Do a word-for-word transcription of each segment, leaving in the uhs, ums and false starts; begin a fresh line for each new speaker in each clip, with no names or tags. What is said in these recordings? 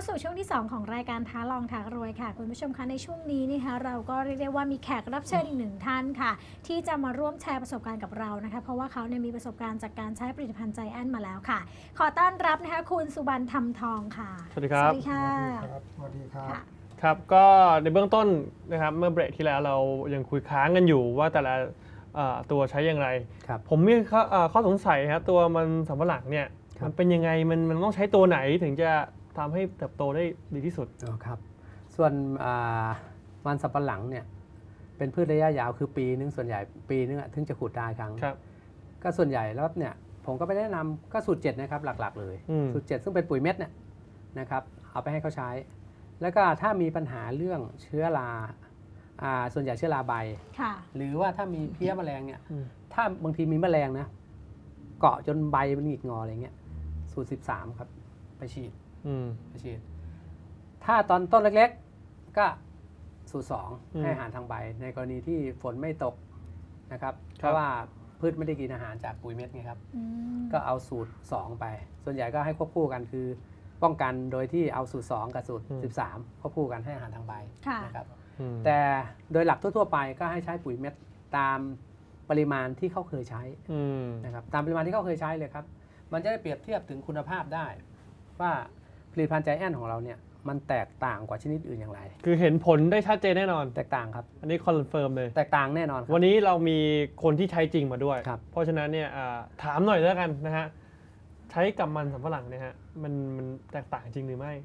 สู่ช่วงที่สองของรายการท้าลองท้ารวยค่ะคุณผู้ชมคะในช่วงนี้นะคะเราก็เรียกได้ว่ามีแขกรับเชิญอีกหนึ่งท่านค่ะที่จะมาร่วมแชร์ประสบการณ์กับเรานะคะเพราะว่าเขาเนี่ยมีประสบการณ์จากการใช้ผลิตภัณฑ์ใจแอนมาแล้วค่ะขอต้อนรับนะคะคุณสุบรรณธรรมทองค่ะ
สวัสดีครับ
สวัสดีค่ะ
สวัสดีครับ
ครับก็ในเบื้องต้นนะครับเมื่อเบรกที่แล้วเรายังคุยค้างกันอยู่ว่าแต่ละตัวใช้อย่างไรผมมีข้อข้อสงสัยครับตัวมันสำปะหลังเนี่ยมันเป็นยังไงมันมันต้องใช้ตัวไหนถึงจะทำให้เติบโตได้ดีที่สุด
อ๋อครับส่วนมันสำปะหลังเนี่ยเป็นพืชระยะยาวคือปีนึงส่วนใหญ่ปีนึงถึงจะขุดได้ครั้งก็ส่วนใหญ่แล้วเนี่ยผมก็ไปแนะนำก็สูตรเจ็ดนะครับหลักๆเลยสูตรเจ็ดซึ่งเป็นปุ๋ยเม็ดเนี่ยนะครับเอาไปให้เขาใช้แล้วก็ถ้ามีปัญหาเรื่องเชื้อราส่วนใหญ่เชื้อราใบหรือว่าถ้ามีเพี้ยแมลงเนี่ยถ้าบางทีมีแมลงนะเกาะจนใบมันหงิกงออะไรเงี้ยสูตรสิบสามครับไปฉีดไปฉีดถ้าตอนต้นเล็กๆก็สูตรสองให้อาหารทางใบในกรณีที่ฝนไม่ตกนะครับเพราะว่าพืชไม่ได้กินอาหารจากปุ๋ยเม็ดไงครับก็เอาสูตรสองไปส่วนใหญ่ก็ให้ควบคู่กันคือป้องกันโดยที่เอาสูตรสองกับสูตรสิบสามควบคู่กันให้อาหารทางใบนะครับแต่โดยหลักทั่วๆไปก็ให้ใช้ปุ๋ยเม็ดตามปริมาณที่เขาเคยใช้นะครับตามปริมาณที่เขาเคยใช้เลยครับมันจะได้เปรียบเทียบถึงคุณภาพได้ว่าผลิตภัณฑ์ใจแอนของเราเนี่ยมันแตกต่างกว่าชนิดอื่นอย่างไร
คือเห็นผลได้ชัดเจนแน่นอน
แตกต่างครับ
อันนี้คอนเฟิร์มเลย
แตกต่างแน่นอน
วันนี้เรามีคนที่ใช้จริงมาด้วยเพราะฉะนั้นเนี่ยถามหน่อยแล้วกันนะฮะใช้กับมันสำปะหลังเนี่ยฮะมันมันแตกต่างจริงหรือไม่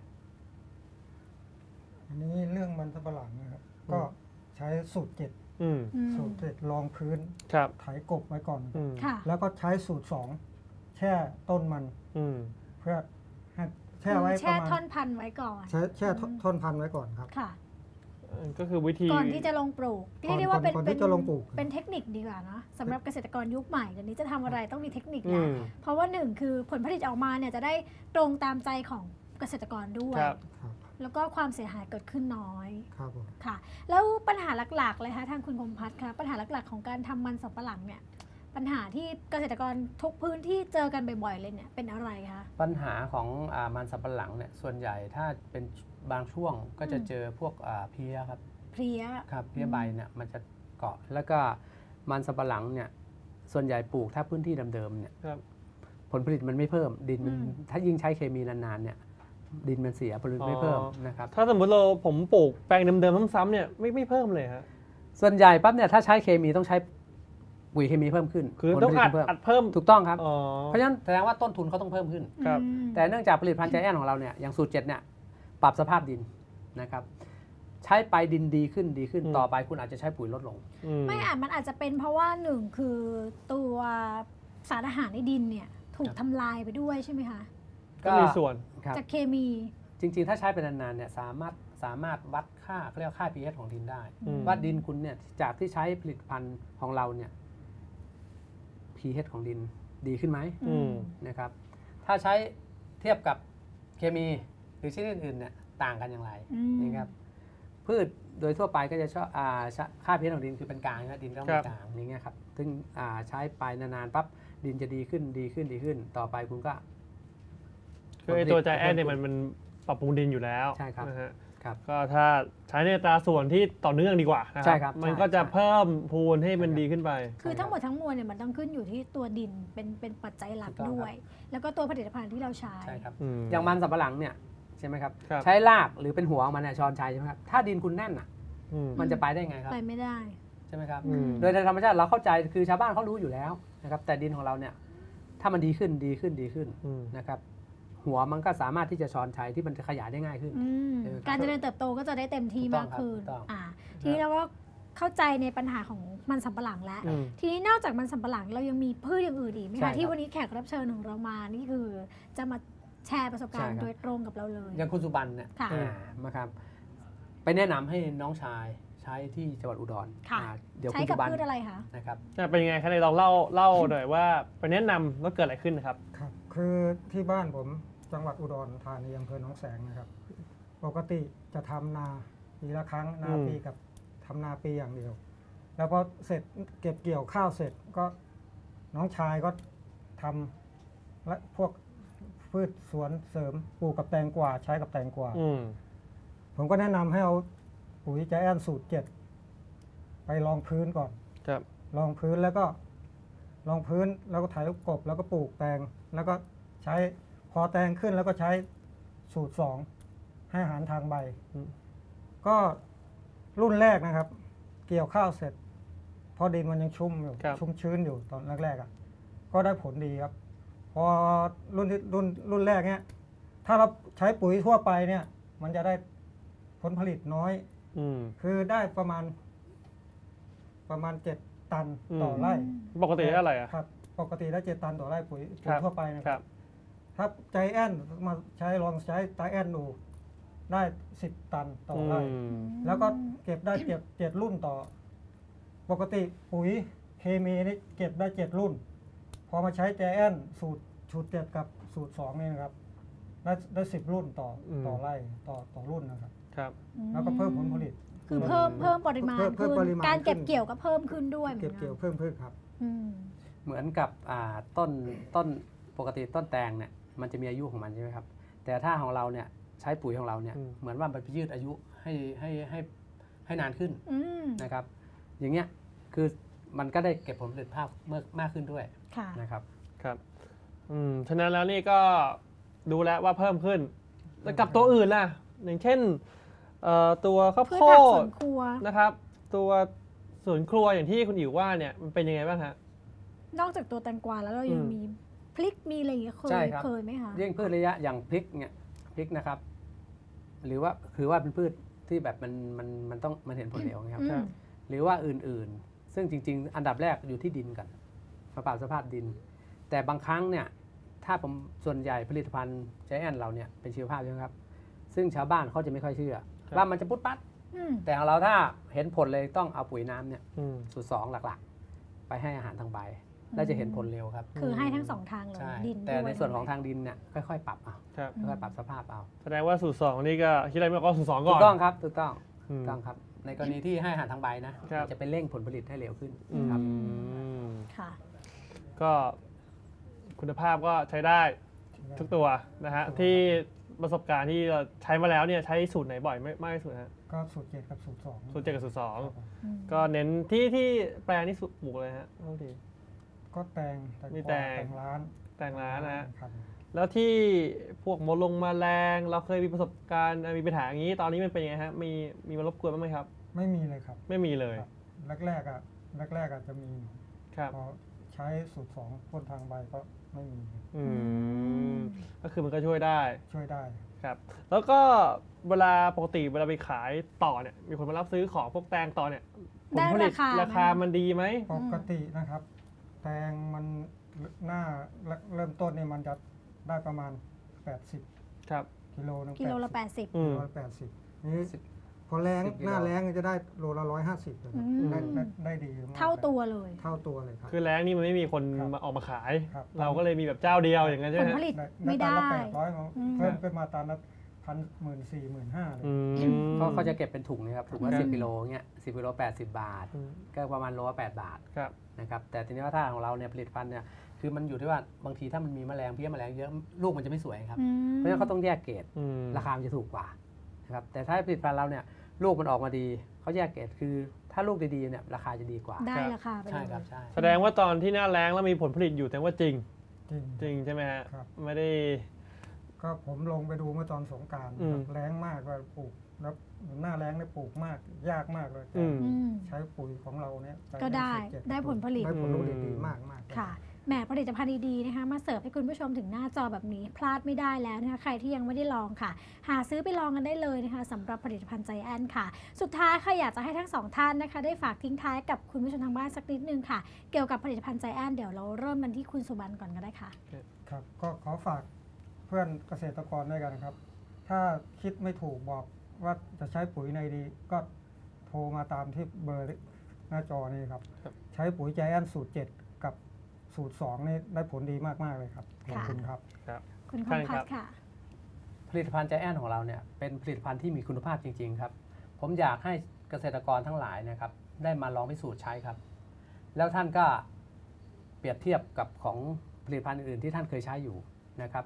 อันนี้เรื่องมันสำปะหลังนะครับก็ใช้สูตรเจ็ดสูตรเจ็ดรองพื้นไถกบไว้ก่อนแล้วก็ใช้สูตรสองแช่ต้นมันเพื่อให้แช่ไว้
แช่ท่อนพันธุ์ไว้ก่อน
แช่แช่ท่อนพันธุ์ไว้ก่อนครับ
ค่ะ
ก็คือวิธี
ก่อนที่จะลงปลูกเรียกได้ว่าเป็น
เป็น
เป็นเทคนิคดีกว่านะสำหรับเกษตรกรยุคใหม่เดี๋ยวนี้จะทำอะไรต้องมีเทคนิคนะเพราะว่าหนึ่งคือผลผลิตออกมาเนี่ยจะได้ตรงตามใจของเกษตรกรด้วยแล้วก็ความเสียหายเกิดขึ้นน้อย
ครับ
ค่ะแล้วปัญหาหลักๆเลยคะทางคุณพงษ์พัฒน์คะปัญหาหลักๆของการทำมันสำปะหลังเนี่ยปัญหาที่เกษตรกรทุกพื้นที่เจอกันบ่อยๆเลยเนี่ยเป็นอะไรคะ
ปัญหาของมันสำปะหลังเนี่ยส่วนใหญ่ถ้าเป็นบางช่วงก็จะเจอพวกเพลี้ยครับ
เพลี้ย
ครับเพลี้ยใบเนี่ยมันจะเกาะแล้วก็มันสำปะหลังเนี่ยส่วนใหญ่ปลูกถ้าพื้นที่เดิมๆเนี่ยผลผลิตมันไม่เพิ่มดินมันถ้ายิ่งใช้เคมีนานๆเนี่ยดินมันเสียผลผลิตไม่เพิ่มนะครับ
ถ้าสมมติเราผมปลูกแปลงเดิมๆซ้ำๆเนี่ยไม่ไม่เพิ่มเลยฮะ
ส่วนใหญ่ปั๊บเนี่ยถ้าใช้เคมีต้องใช้ปุ๋ยเคมีเพิ่มขึ้น
คือต้องอัดอัดเพิ่ม
ถูกต้องครับเพราะฉะนั้นแสดงว่าต้นทุนเขาต้องเพิ่มขึ้นแต่เนื่องจากผลิตภัณฑ์ใจแอนของเราเนี่ยอย่างสูตรเจ็ดเนี่ยปรับสภาพดินนะครับใช้ไปดินดีขึ้นดีขึ้นต่อไปคุณอาจจะใช้ปุ๋ยลดลง
ไม่อาจมันอาจจะเป็นเพราะว่าหนึ่งคือตัวสารอาหารในดินเนี่ยถูกทำลายไปด้วยใช่ไหมคะ
ก็มีส่วน
จากเคมี
จริงๆถ้าใช้ไปนานๆเนี่ยสามารถสามารถวัดค่าเขาเรียกค่า พี เอช ของดินได้ว่าดินคุณเนี่ยจากที่ใช้ผลิตภัณฑ์ของเราเนี่ย พี เอช ของดินดีขึ้นไหมนะครับถ้าใช้เทียบกับเคมีหรือชนิดอื่นเนี่ยต่างกันอย่างไรนะครับพืชโดยทั่วไปก็จะชอบค่า พี เอช ของดินคือเป็นกลางนะดินก็เป็นกลางอย่างเงี้ยครับซึ่งใช้ไปนานๆปั๊บดินจะดีขึ้นดีขึ้นดีขึ้นต่อไปคุณก็
คือไอตัวใจแอนเนี่ยมันมันปรับปรุงดินอยู่แล้ว
ใช่ครับ
ครับก็ถ้าใช้ในอัตราส่วนที่ต่อเนื่องดีกว่านะครับมันก็จะเพิ่มพูนให้มันดีขึ้นไป
คือทั้งหมดทั้งมวลเนี่ยมันต้องขึ้นอยู่ที่ตัวดินเป็นเป็นปัจจัยหลักด้วยแล้วก็ตัวผลิตภัณฑ์ที่เราใช้
ใช่ครับอย่างมันสำปะหลังเนี่ยใช่ไหมครับใช้รากหรือเป็นหัวของมันเนี่ยช้อนชัยใช่ไหมครับถ้าดินคุณแน่นอ่ะมันจะไปได้ไงครับ
ไปไม่ได้
ใช่ไหมครับโดยในธรรมชาติเราเข้าใจคือชาวบ้านเขารู้อยู่แล้วนะครับแต่ดินของเราเนี่ยถ้ามันดีขึ้นดีขึ้นดีขึ้นนะครับหัวมันก็สามารถที่จะช้อนชัยที่มันจะขยายได้ง่ายขึ้น
การเจริญเติบโตก็จะได้เต็มที่มากขึ้นทีนี้เราก็เข้าใจในปัญหาของมันสำปะหลังแล้วทีนี้นอกจากมันสำปะหลังเรายังมีพืชอย่างอื่นอีกไหมคะที่วันนี้แขกรับเชิญของเรามานี่คือจะมาแชร์ประสบการณ์โดยตรงกับเราเลย
อย่างคุณสุบรรณเนี่ยนะครับไปแนะนำให้น้องชายใช้ที่จังหวัดอุดร
เดี๋ยวคุณสุบรรณพืชอะไรคะ
นะครับ
เป็นยังไงคะในลองเล่าเล่าหน่อยว่าไปแนะนำแล้วเกิดอะไรขึ้นครับ
ครับคือที่บ้านผมจังหวัดอุดรธานีอำเภอหนองแสงนะครับปกติจะทำนาปีละครั้งนาปีกับทำนาปีอย่างเดียวแล้วพอเสร็จเก็บเกี่ยวข้าวเสร็จก็น้องชายก็ทำและพวกพืชสวนเสริมปลูกกับแตงกวาใช้กับแตงกวาผมก็แนะนำให้เอาปุ๋ยใจแอนสูตรเจ็ดไปรองพื้นก่อน
ครับ
รองพื้นแล้วก็รองพื้นแล้วก็ไถกบแล้วก็ปลูกแตงแล้วก็ใช้พอแตงขึ้นแล้วก็ใช้สูตรสองให้อาหารทางใบก็รุ่นแรกนะครับเกี่ยวข้าวเสร็จพอดินมันยังชุ่มอยู่ชุ่มชื้นอยู่ตอนแรกๆอ่ะก็ได้ผลดีครับพอรุ่นที่รุ่นรุ่นแรกเนี้ยถ้าเราใช้ปุ๋ยทั่วไปเนี่ยมันจะได้ผลผลิตน้อยอคือได้ประมาณประมาณเจ็ดตันต่อไร่
ปกติได้อะไรอ่ะ
ครับปกติได้เจ็ดตันต่อไร่ปุ๋ยปุ๋ยทั่วไปนะครับถ้าใจแอนมาใช้ลองใช้ใจแอนดูได้สิบตันต่อไร่แล้วก็เก็บได้เจ็ดเจ็ดรุ่นต่อปกติปุ๋ยเคมีนี่เก็บได้เจ็ดรุ่นพอมาใช้ใจแอนสูตรสูตรเจ็ดกับสูตรสองนี่นะครับได้ได้สิบรุ่นต่อต่อไร่ต่อต่อรุ่นนะครับ
ครับ
แล้วก็เพิ่มผลผลิต
คือเพิ่มเพิ่มปริมาณขึ้นการเก็บเกี่ยวก็เพิ่มขึ้นด้วย
เก็บเกี่ยวเพิ่มขึ้นครับ
เหมือนกับต้นต้นปกติต้นแตงเนี่ยมันจะมีอายุของมันใช่ไหมครับแต่ถ้าของเราเนี่ยใช้ปุ๋ยของเราเนี่ยเหมือนว่ามันไปยืดอายุให้ให้ให้ให้นานขึ้นนะครับอย่างเงี้ยคือมันก็ได้เก็บผลผลิตภาพเมื่อมากขึ้นด้วยนะครับ
ครับอืมฉะนั้นแล้วนี่ก็ดูแลว่าเพิ่มขึ้นแต่กับตัวอื่นล่ะอย่างเช่นตัวข้าวโพดนะครับตัวสวนครัวอย่างที่คุณอิ๋วว่าเนี่ยมันเป็นยังไงบ้างฮะ
นอกจากตัวแตงกวาแล้วเรายังมีพริกมีอะไรอย่างเงี้ยเคยเคยไหมคะ
เลี้ยงพืชระยะอย่างพริกเนี่ยพริกนะครับหรือว่าคือว่าเป็นพืชที่แบบมันมันมันต้องมันเห็นผลเร็วนะครับหรือว่าอื่นๆซึ่งจริงๆอันดับแรกอยู่ที่ดินก่อนสภาพสภาพดินแต่บางครั้งเนี่ยถ้าผมส่วนใหญ่ผลิตภัณฑ์ใจแอนเราเนี่ยเป็นชีวภาพใช่ไหมครับซึ่งชาวบ้านเขาจะไม่ค่อยเชื่อว่ามันจะปุ๊บปั๊บแต่ของเราถ้าเห็นผลเลยต้องเอาปุ๋ยน้ำเนี่ยสูตรสองหลักๆไปให้อาหารทางใบแล้วจะเห็นผลเร็วครับ
คือให้ทั้งสองทางเลยดิน
แต่ในส่วนของทางดินเนี่ยค่อยๆปรับเอาค่อยๆปรับสภาพเอา
แสดงว่าสูตรสองนี่ก็คิดอะไรไม่ออกก็สูตรสองก่อน
ถูกต้องครับถูกต้องถูกต้องครับในกรณีที่ให้อาหารทางใบนะจะเป็นเร่งผลผลิตให้เร็วขึ้นครับ
ค่ะ
ก็คุณภาพก็ใช้ได้ทุกตัวนะฮะที่ประสบการณ์ที่เราใช้มาแล้วเนี่ยใช้สูตรไหนบ่อยไม่มากที่สุดฮะ
ก็สูตรเจ็ดกับสูตรสอง
สูตรเจ็ดกับสูตรสองก็เน้นที่ที่แปลงนี่ปลูกเลยฮะเท่าที่
ก็แตง
มีแต
งร้าน
แตงร้านนะฮะแล้วที่พวกมดลงมาแรงเราเคยมีประสบการณ์มีปัญหาอย่างนี้ตอนนี้มันเป็นยังไงฮะมีมีมารบกวนบ้างไหมครับ
ไม่มีเลยครับ
ไม่มีเลย
แรกๆอ่ะแรกๆอาจจะมีพอใช้สูตรสองพ่นทางใบก็ไม่มี
อืมก็คือมันก็ช่วยได้
ช่วยได้
ครับแล้วก็เวลาปกติเวลาไปขายต่อเนี่ยมีคนมารับซื้อของพวกแตงต่อเนี่ยผลผลิตราคามันดีไหม
ปกตินะครับแตงมันหน้าเริ่มต้นเนี่ยมันจะได้ประมาณแปดสิบ
ครับ
กิโลนึง
กิโลละแปดสิบ
กิโลละแปดสิบนี่พอแรงหน้าแรงจะได้โลละร้อยห้าสิบได้ได้ดี
เท่าตัวเลย
เท่าตัวเลยครับ
คือแรงนี่มันไม่มีคนมาออกมาขายเราก็เลยมีแบบเจ้าเดียวอย่างนั้นใช่ไหม
ผลผลิตไม่ได้
แปดร้อยเพิ่มขึ้นมาตามละพันหมื่นสี่หมื่นห้าเลย
เขาเขาจะเก็บเป็นถุงนะครับถุงละสิบกิโลเงี้ยสิบกิโลแปดสิบบาทก็ประมาณโลละแปดบาทนะครับแต่ทีนี้ว่าถ้าของเราเนี่ยผลิตภัณฑ์เนี่ยคือมันอยู่ที่ว่าบางทีถ้ามันมีแมลงเพี้ยแมลงเยอะลูกมันจะไม่สวยครับเพราะฉะนั้นเขาต้องแยกเกรดราคามันจะถูกกว่านะครับแต่ถ้าผลิตภัณฑ์เราเนี่ยลูกมันออกมาดีเขาแยกเกรดคือถ้าลูกดีๆเนี่ยราคาจะดีกว่า
ได้ราคาไป
ใช่ครับใช่
แสดงว่าตอนที่หน้าแล้งแล้วมีผลผลิตอยู่แต่ว่าจริงจริงใช่ไหมฮะไม่ได้
ก็ผมลงไปดูเมื่อตอนสงกรานต์แล้งมากว่าปลูกแล้วหน้าแล้งเนี่ยปลูกมากยากมากเลยใช้ปุ๋ยของเราเนี่ย
ก็ได้ได้ผลผลิต
ได้ผลผลิตดีมากมาก
ค่ะแหมผลิตภัณฑ์ดีๆนะคะมาเสิร์ฟให้คุณผู้ชมถึงหน้าจอแบบนี้พลาดไม่ได้แล้วนะคะใครที่ยังไม่ได้ลองค่ะหาซื้อไปลองกันได้เลยนะคะสำหรับผลิตภัณฑ์ใจแอนค่ะสุดท้ายค่ะอยากจะให้ทั้งสองท่านนะคะได้ฝากทิ้งท้ายกับคุณผู้ชมทางบ้านสักนิดนึงค่ะเกี่ยวกับผลิตภัณฑ์ใจแอนเดี๋ยวเราเริ่มกันที่คุณสุบรรณก่อนก็ได้ค่ะ
ครับก็ขอฝากเพื่อนเกษตรกรด้วยกันนะครับถ้าคิดไม่ถูกบอกว่าจะใช้ปุ๋ยในดีก็โทรมาตามที่เบอร์หน้าจอนี่ครับใช้ปุ๋ยใจแอนสูตรเจ็ดกับสูตรสองนี่ได้ผลดีมากๆเลยครับขอบคุณครับ
คุณคมพัฒน์ค่ะ
ผลิตภัณฑ์ใจแอนของเราเนี่ยเป็นผลิตภัณฑ์ที่มีคุณภาพจริงๆครับผมอยากให้เกษตรกรทั้งหลายนะครับได้มาลองพิสูจน์ใช้ครับแล้วท่านก็เปรียบเทียบกับของผลิตภัณฑ์อื่นๆที่ท่านเคยใช้อยู่นะครับ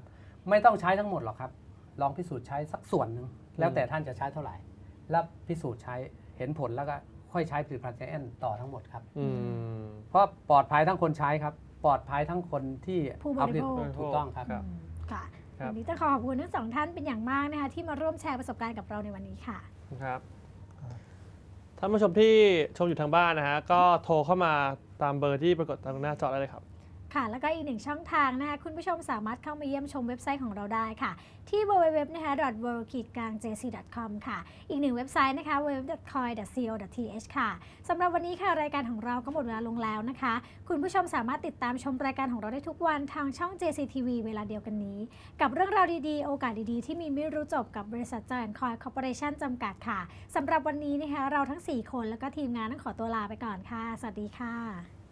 ไม่ต้องใช้ทั้งหมดหรอกครับลองพิสูจน์ใช้สักส่วนหนึ่งแล้วแต่ท่านจะใช้เท่าไหร่แล้วพิสูจน์ใช้เห็นผลแล้วก็ค่อยใช้ผลิตภัณฑ์ใจแอนต่อทั้งหมดครับเพราะปลอดภัยทั้งคนใช้ครับปลอดภัยทั้งคนที่
ผู้บริโภค
ถูกต้องครับ
ค่ะวันนี้จะขอขอบคุณทั้งสองท่านเป็นอย่างมากนะคะที่มาร่วมแชร์ประสบการณ์กับเราในวันนี้ค่ะ
ครับท่านผู้ชมที่ชมอยู่ทางบ้านนะฮะก็โทรเข้ามาตามเบอร์ที่ปรากฏตามหน้าจอได้เลยครับ
ค่ะแล้วก็อีกหนึ่งช่องทางนะคะคุณผู้ชมสามารถเข้ามาเยี่ยมชมเว็บไซต์ของเราได้ค่ะที่ ดับเบิลยู ดับเบิลยู ดับเบิลยู นะคะ ดอท เวิลด์ กลาง เจ ซี ดอท คอม ค่ะอีกหนึ่งเว็บไซต์นะคะ ดับเบิลยู ดับเบิลยู ดับเบิลยู ดอท คอย ดอท ซี โอ ดอท ที เอช ค่ะสำหรับวันนี้ค่ะรายการของเราก็หมดเวลาลงแล้วนะคะคุณผู้ชมสามารถติดตามชมรายการของเราได้ทุกวันทางช่อง เจ ซี ที วี เวลาเดียวกันนี้กับเรื่องราวดีๆโอกาสดีๆที่มีไม่รู้จบกับบริษัท Giant Coin Corporation จำกัดค่ะสำหรับวันนี้นะคะเราทั้งสี่คนแล้วก็ทีมงานต้องขอตัวลาไปก่อนค่ะสวัสดีค่ะ